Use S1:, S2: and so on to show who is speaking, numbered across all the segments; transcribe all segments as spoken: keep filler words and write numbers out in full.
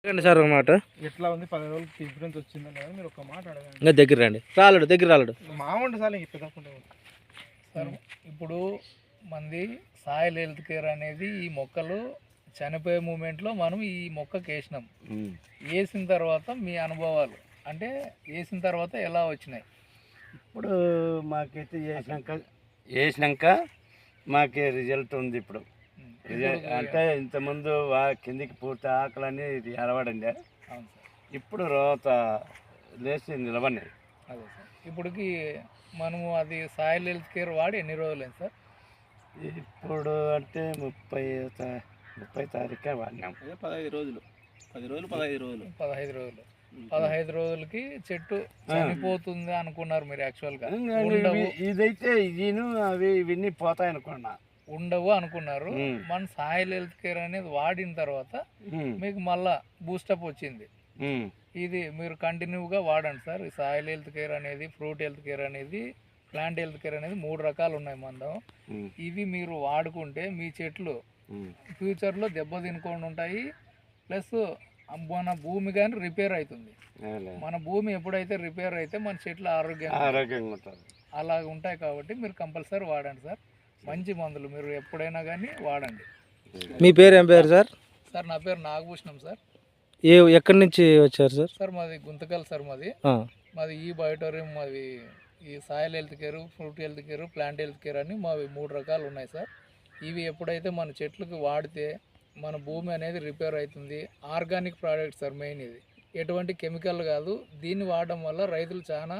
S1: Sir ఒక మాట
S2: ఎట్లా ఉంది పది రోజులకి డిఫరెన్స్ వచ్చిందని కదా మీరు ఒక మాట అడగండి.
S1: ఇంకా దగ్గర రండి, రాలేడు దగ్గర రాలేడు
S2: మామూలు సార్ ఇప్పుడు సార్ ఇప్పుడు మంది సాయిల్ హెల్త్ కేర్ అనేది ఈ మొక్కలు చనిపోయే మూమెంట్లో మనం ఈ మొక్కకి వేసినాం. వేసిన తర్వాత మీ అనుభవాలు అంటే వేసిన తర్వాత ఎలా వచ్చినాయి?
S3: ఇప్పుడు మాకైతే వేసినాక వేసినాక మాకే రిజల్ట్ ఉంది. ఇప్పుడు అంటే ఇంతకుముందు కిందికి పూర్తి ఆకలని ఎరవడండి, ఇప్పుడు రోత లేచి నిలబడి.
S2: అదే సార్, ఇప్పటికి మనము అది సాయిల్ హెల్త్ కేర్ వాడి ఎన్ని రోజులైంది సార్?
S3: ఇప్పుడు అంటే ముప్పై ముప్పై తారీఖే వాడినాం.
S2: పదహైదు రోజులు పది రోజులు పదహైదు రోజులు పదహైదు రోజులు పదహైదు రోజులకి చెట్టు చనిపోతుంది అనుకున్నారు మీరు? యాక్చువల్గా
S3: ఇదైతే ఇదిను అవి ఇవన్నీ పోతాయి అనుకున్నా,
S2: ఉండవు అనుకున్నారు. మన సాయిల్ హెల్త్ కేర్ అనేది వాడిన తర్వాత మీకు మళ్ళా బూస్టప్ వచ్చింది. ఇది మీరు కంటిన్యూగా వాడండి సార్. ఈ సాయిల్ హెల్త్ కేర్ అనేది, ఫ్రూట్ హెల్త్ కేర్ అనేది, ప్లాంట్ హెల్త్ కేర్ అనేది మూడు రకాలు ఉన్నాయి మందం. ఇవి మీరు వాడుకుంటే మీ చెట్లు ఫ్యూచర్లో దెబ్బ తినకుండా ఉంటాయి. ప్లస్ మన భూమి కానీ రిపేర్ అవుతుంది. మన భూమి ఎప్పుడైతే రిపేర్ అయితే మన చెట్లు ఆరోగ్యంగా
S3: ఆరోగ్యంగా ఉంటాయి.
S2: అలాగ ఉంటాయి కాబట్టి మీరు కంపల్సరీ వాడండి సార్. మంచి మందులు మీరు ఎప్పుడైనా కానీ వాడండి.
S1: మీ పేరు ఏం పేరు సార్?
S2: సార్ నా పేరు నాగభూషణం సార్.
S1: ఏ ఎక్కడి నుంచి వచ్చారు సార్?
S2: సార్ మాది గుంతకల్ సార్. మాది మాది ఈ బయోటోరియం, మాది ఈ soil health care, fruit health care, plant health care అని మావి మూడు రకాలు ఉన్నాయి సార్. ఇవి ఎప్పుడైతే మన చెట్లకు వాడితే మన భూమి అనేది రిపేర్ అవుతుంది. Organic product sir main. ఇది ఎటువంటి కెమికల్ కాదు. దీన్ని వాడడం వల్ల రైతులు చాలా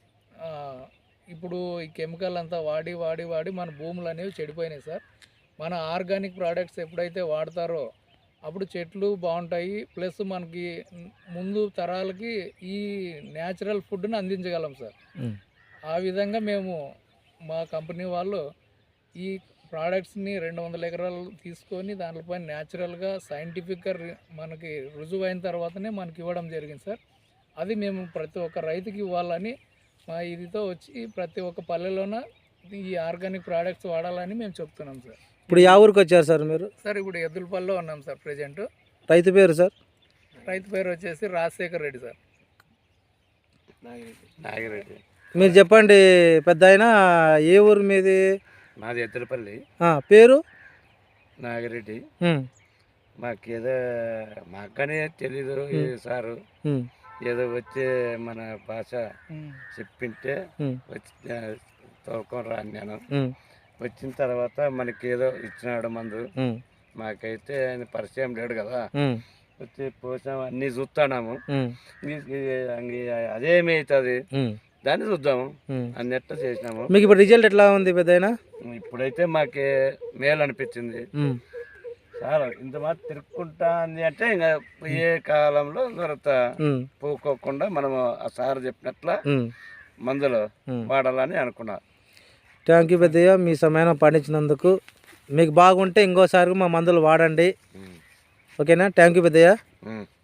S2: ఇప్పుడు ఈ కెమికల్ అంతా వాడి వాడి వాడి మన భూములు అనేవి చెడిపోయినాయి సార్. మన ఆర్గానిక్ ప్రోడక్ట్స్ ఎప్పుడైతే వాడతారో అప్పుడు చెట్లు బాగుంటాయి. ప్లస్ మనకి ముందు తరాలకి ఈ న్యాచురల్ ఫుడ్ని అందించగలం సార్. ఆ విధంగా మేము మా కంపెనీ వాళ్ళు ఈ ప్రోడక్ట్స్ని రెండు వందల ఎకరాలు తీసుకొని దాంట్లోపై న్యాచురల్గా సైంటిఫిక్గా మనకి రుజువు అయిన తర్వాతనే మనకి ఇవ్వడం జరిగింది సార్. అది మేము ప్రతి ఒక్క రైతుకి ఇవ్వాలని మా ఇదితో వచ్చి ప్రతి ఒక్క పల్లెలోన ఈ ఆర్గానిక్ ప్రోడక్ట్స్ వాడాలని మేము చెప్తున్నాం సార్.
S1: ఇప్పుడు యా ఊరికి వచ్చారు సార్ మీరు?
S2: సార్ ఇప్పుడు ఎద్దులపల్లిలో ఉన్నాం సార్ ప్రజెంట్.
S1: రైతు పేరు సార్?
S2: రైతు పేరు వచ్చేసి రాజశేఖర్ రెడ్డి సార్.
S3: నాగిరెడ్డి.
S1: మీరు చెప్పండి పెద్ద అయినా, ఏ ఊరు మీది?
S3: మాది ఎద్దులపల్లి.
S1: పేరు?
S3: నాగిరెడ్డి. మాకేదో మాకనే తెలీదు సారు, ఏదో వచ్చే మన భాష చెప్పింటే వచ్చి తోలుకొని రాను నేను. వచ్చిన తర్వాత మనకి ఏదో ఇచ్చినాడు మందు. మాకైతే ఆయన పరిచయం లేడు కదా, వచ్చి పోసాం అన్నీ చూస్తున్నాము. అదేమవుతుంది దాన్ని చూద్దాము అన్నట్టు చేసినాము.
S1: మీకు ఇప్పుడు రిజల్ట్ ఎట్లా ఉంది పెద్దయినా?
S3: ఇప్పుడైతే మాకే మేలు అనిపించింది సార్. ఇంత మాత్రం తిరుక్కుంటా ఉంది అంటే ఇంకా ఏ కాలంలో దొరత పోకోకుండా మనము ఆ సార్ చెప్పినట్ల మందులు వాడాలని అనుకున్నా.
S1: థ్యాంక్ యూ పెద్దయ్య, మీ సమయాన్ని పండించినందుకు. మీకు బాగుంటే ఇంకోసారి మా మందులు వాడండి, ఓకేనా? థ్యాంక్ యూ పెద్దయ్య.